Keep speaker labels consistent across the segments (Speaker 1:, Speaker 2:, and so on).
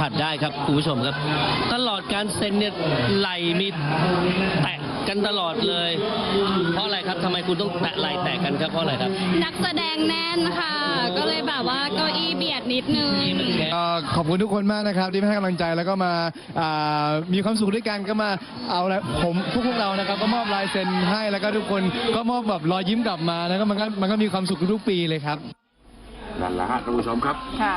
Speaker 1: ผัสได้ครับคุณผู้ชมครับตลอดการเซ็นเนี่ยไหลมีแตะกันตลอดเลยเพราะอะไรครับทำไมคุณต้องแตะไหลแตะกันครับเพราะอะไรครับ
Speaker 2: นักแสดงแน่นค่ะก็เลยแบบว่าเก้าอี้เบียดนิดนึง
Speaker 3: ขอบคุณทุกคนมากนะครับที่ให้กำลังใจแล้วก็มามีความสุขด้วยกันก็มาเอาละผมพวกเรานะครับก็มอบลายเซ็นให้แล้วก็ทุกคนก็มอบแบบรอยยิ้มกลับมาแล้วก็มันก็มีความสุขทุกปีเลยครับ
Speaker 4: นั่นแหละฮะท่านผู้ชมครับ
Speaker 2: ค่ะ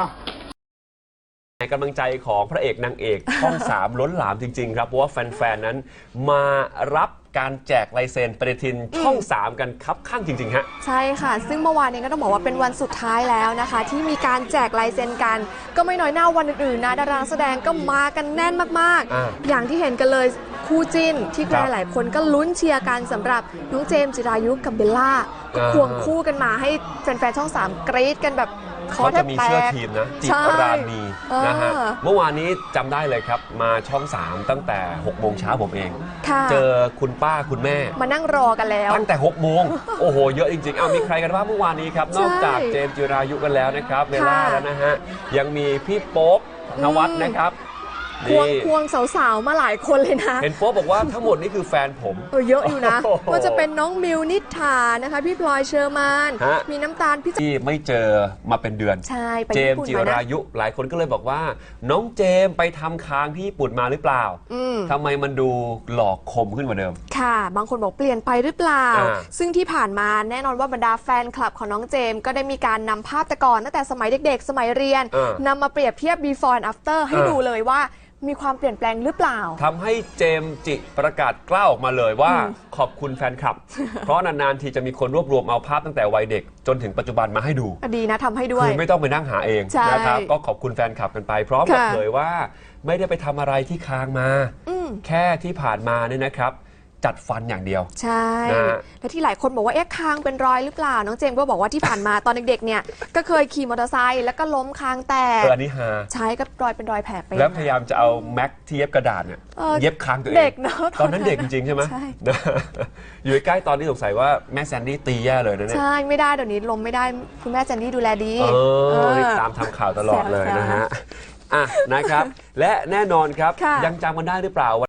Speaker 4: กำลังใจของพระเอกนางเอกช่อง3ล้นหลามจริงๆครับเพราะว่าแฟนๆนั้นมารับการแจกลายเซ็นปฏิทินช่อง3กันครับข้างจริงๆฮะ
Speaker 5: ใช่ค่ะซึ่งเมื่อวานนี้ก็ต้องบอกว่าเป็นวันสุดท้ายแล้วนะคะที่มีการแจกลายเซ็นกันก็ไม่น้อยหน้าวันอื่นๆนะดารานักแสดงก็มากันแน่นมากๆอย่างที่เห็นกันเลยคู่จิ้นที่ใครหลายคนก็ลุ้นเชียร์กันสำหรับน้องเจมส์จิรายุกับเบลล่าก็ควงคู่กันมาให้แฟนๆช่อง3กรี๊ดกันแบบ
Speaker 4: เขาจะมีเสื้อทีมนะจิรานีนะฮะเมื่อวานนี้จำได้เลยครับมาช่อง3ตั้งแต่6 โมงเช้าผมเองเจอคุณป้าคุณแม่
Speaker 5: มานั่งรอกันแล้ว
Speaker 4: ตั้งแต่6 โมงโอ้โหเยอะจริงๆมีใครกันบ้างเมื่อวานนี้ครับนอกจากเจมส์จิรายุกันแล้วนะครับเบลล่าแล้วนะฮะยังมีพี่โป๊ปนวัดนะครับ
Speaker 5: ควงสาวๆมาหลายคนเลยนะ
Speaker 4: เห็นโป๊ปบอกว่าทั้งหมดนี่คือแฟนผม
Speaker 5: เยอะอยู่นะว่าจะเป็นน้องมิวนิษฐานะคะพี่พลอยเชอร์มานมีน้ำตาลพี่
Speaker 4: ที่ไม่เจอมาเป็นเดือน
Speaker 5: ใช่
Speaker 4: เจมส์จิรายุหลายคนก็เลยบอกว่าน้องเจมส์ไปทำค้างที่ญี่ปุ่นมาหรือเปล่าทำไมมันดูหลอกคมขึ้นกว่าเดิม
Speaker 5: ค่ะบางคนบอกเปลี่ยนไปหรือเปล่าซึ่งที่ผ่านมาแน่นอนว่าบรรดาแฟนคลับของน้องเจมส์ก็ได้มีการนำภาพแต่ก่อนตั้งแต่สมัยเด็กๆสมัยเรียนนำมาเปรียบเทียบ before and after ให้ดูเลยว่ามีความเปลี่ยนแปลงหรือเปล่า
Speaker 4: ทำให้เจมส์จิประกาศกล้าออกมาเลยว่าขอบคุณแฟนคลับ เพราะนานๆทีจะมีคนรวบรวมเอาภาพตั้งแต่วัยเด็กจนถึงปัจจุบันมาให้ดู
Speaker 5: ดีนะทำให้ด้วย
Speaker 4: คือไม่ต้องไปนั่งหาเองนะครับก็ขอบคุณแฟนคลับกันไปพร้อมกับเผยว่าไม่ได้ไปทำอะไรที่ค้างมาแค่ที่ผ่านมาเนี่ยนะครับจัดฟันอย่างเดียว
Speaker 5: ใช่และที่หลายคนบอกว่าคางเป็นรอยหรือเปล่าน้องเจมส์ก็บอกว่าที่ผ่านมาตอนเด็กๆเนี่ยก็เคยขี่มอเตอร์ไซค์แล้วก็ล้มคางแตก
Speaker 4: อันนี้ฮะ
Speaker 5: ใช้ก็รอยเป็นรอยแผลไป
Speaker 4: แล้วพยายามจะเอาแม็กที่เย็บกระดาษเนี่ยเย็บคางตัวเอง
Speaker 5: เด็กเนาะ
Speaker 4: ตอนนั้นเด็กจริงๆใช่ไหมอยู่ใกล้ตอนนี้สงสัยว่าแม่แซนดี้ตีแย่เลยนะเนี่ย
Speaker 5: ใช่ไม่ได้เดี๋ยวนี้ล้มไม่ได้คุณแม่แซนดี้ดูแลดี
Speaker 4: ตามทำข่าวตลอดเลยนะฮะนะครับและแน่นอนครับยังจำกันได้หรือเปล่า